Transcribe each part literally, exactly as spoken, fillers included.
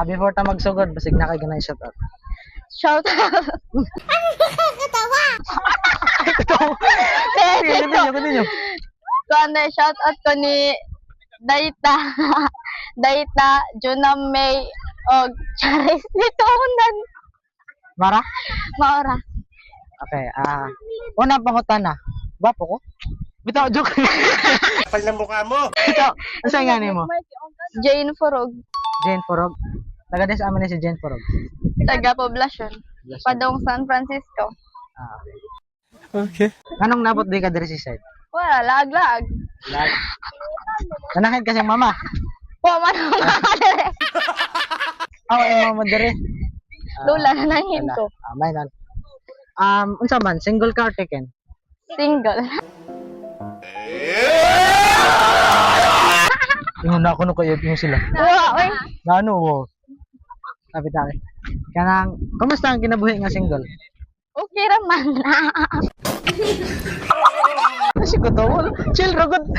Ah, before ta magsugod, basig na kay ganay shout out. Shout out. Continue, continue. Kuan shout out ko ni Daita. Daita, Junam May og Charis dito unan. Mara? Maora. Okay, ah, una pangutana. Gwapo ko? Bitaw, joke. Kapal ng mukha mo! Bitaw, asa nga nimo? Jane Furog, Jane Porog. Taga des amin ni si Jane Porog. taga Poblacion, Padong San Francisco. Ah, Okay. anong nabot di ka diri si side? Wala, lag-lag. Lag. Nanakit kasi mama. Wa man ang makadere. Aw, ay mama diri. Lula na nang hinto. Ah, may nan. Um, unsa man, single ka or taken? Single. Ingon na ako no kayo yung sila. Wa, oy. Ngano wo? Sabi tayo. Kanang, kumusta ang kinabuhi nga single? Okay ra man. Kasi ko to, chill ra gud.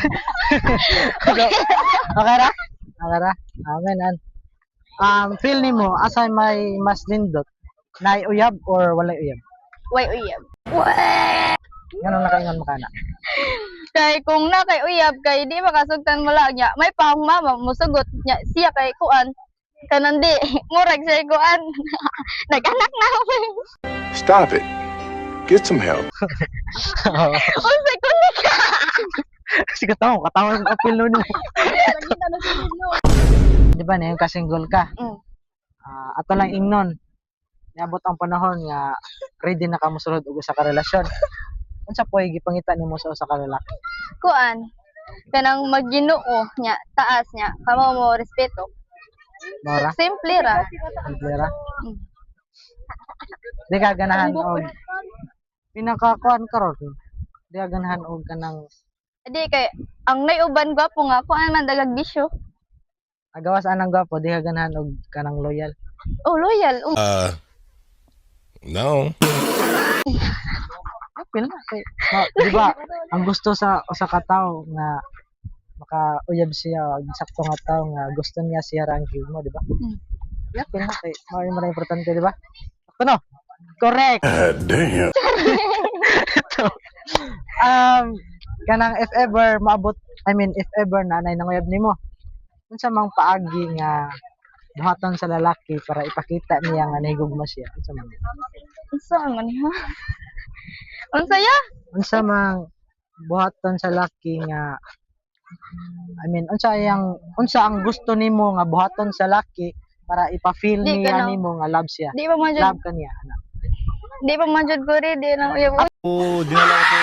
Okay ra? Okay ra? Amen an. Um, feel nimo asa may mas lindot? Nay uyab or walay uyab? Way uyab. Ganun nakaingon mo kana. Kay kung na kay uyab kay di makasugtan mo lang niya. May pang mama musugot niya siya kay kuan. Kanandi, murag siya kuan. Nag-anak na ako. Stop it. Get some help. Unsay kundi ka? Kasi katawa, katawa yung apil nun. Di ba na yung kasinggol ka? Mm. Ah, ato lang ingnon. Niabot ang panahon nga ready na ka mosulod og usa ka relasyon. Unsa po'y gipangita nimo sa usa ka lalaki? Kuan. Kanang magginoo niya, taas niya, kamo mo respeto. Mora? Simple ra. Simplera? Mm. Di ka ganahan og pinakakuan karon. Di ka ganahan og kanang Di kay ang naiuban gwapo nga kuan man dagag bisyo. agawas anang gwapo, di ka ganahan og kanang loyal. Oh, loyal. Um, Uh, no. Apil na kay ma- di ba ang gusto sa usa ka tawo nga makauyab siya og sakto nga tawo nga gusto niya siya ra ang mo, di ba? Mm. Apil na kay mao yung mga importante, di ba? Ako no. Correct. God damn. So, um kanang if ever maabot, I mean if ever na nay nanguyab nimo, unsa mang paagi nga buhaton sa lalaki para ipakita niya nga nahigugma siya, unsa man? unsa man ha? Unsa ya? Unsa mang buhaton sa lalaki nga I mean unsa yang unsa ang gusto nimo nga buhaton sa lalaki para ipa-feel Di niya ka na- nimo nga love siya. Di pa man jud, Love ka niya, ana. di pa man jud ko rin, di na uyab. Oh, dinala ko.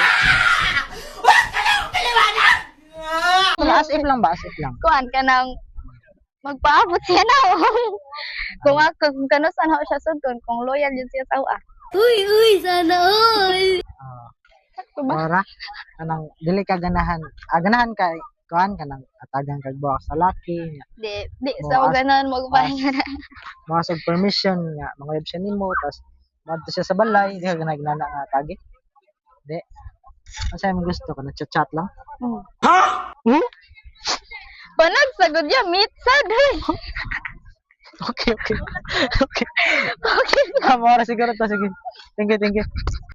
Wala, as if lang ba, as if lang. Kuan kanang magpaabot siya na. Kung ako kung kanusan ako siya sugton, kung loyal yun siya sa uwa. Uy, uy, sana all! Ah, Sakto ba? ora kanang dili ka ganahan. Ah, ganahan ka kuan kanang atagang kag buwak sa lalaki nga Di, di sa Mo, as- ganon magpahinga na. makasog permission nga manguyab siya nimo tas madto siya sa balay, di ka ganahan nana nga tagi. Di. Asa mo gusto ka nagchat-chat lang? Hmm. Hmm? Panag sagod ya meet sad. Okay, okay. Okay. Okay. Tama, siguro to sige. Thank you, thank you.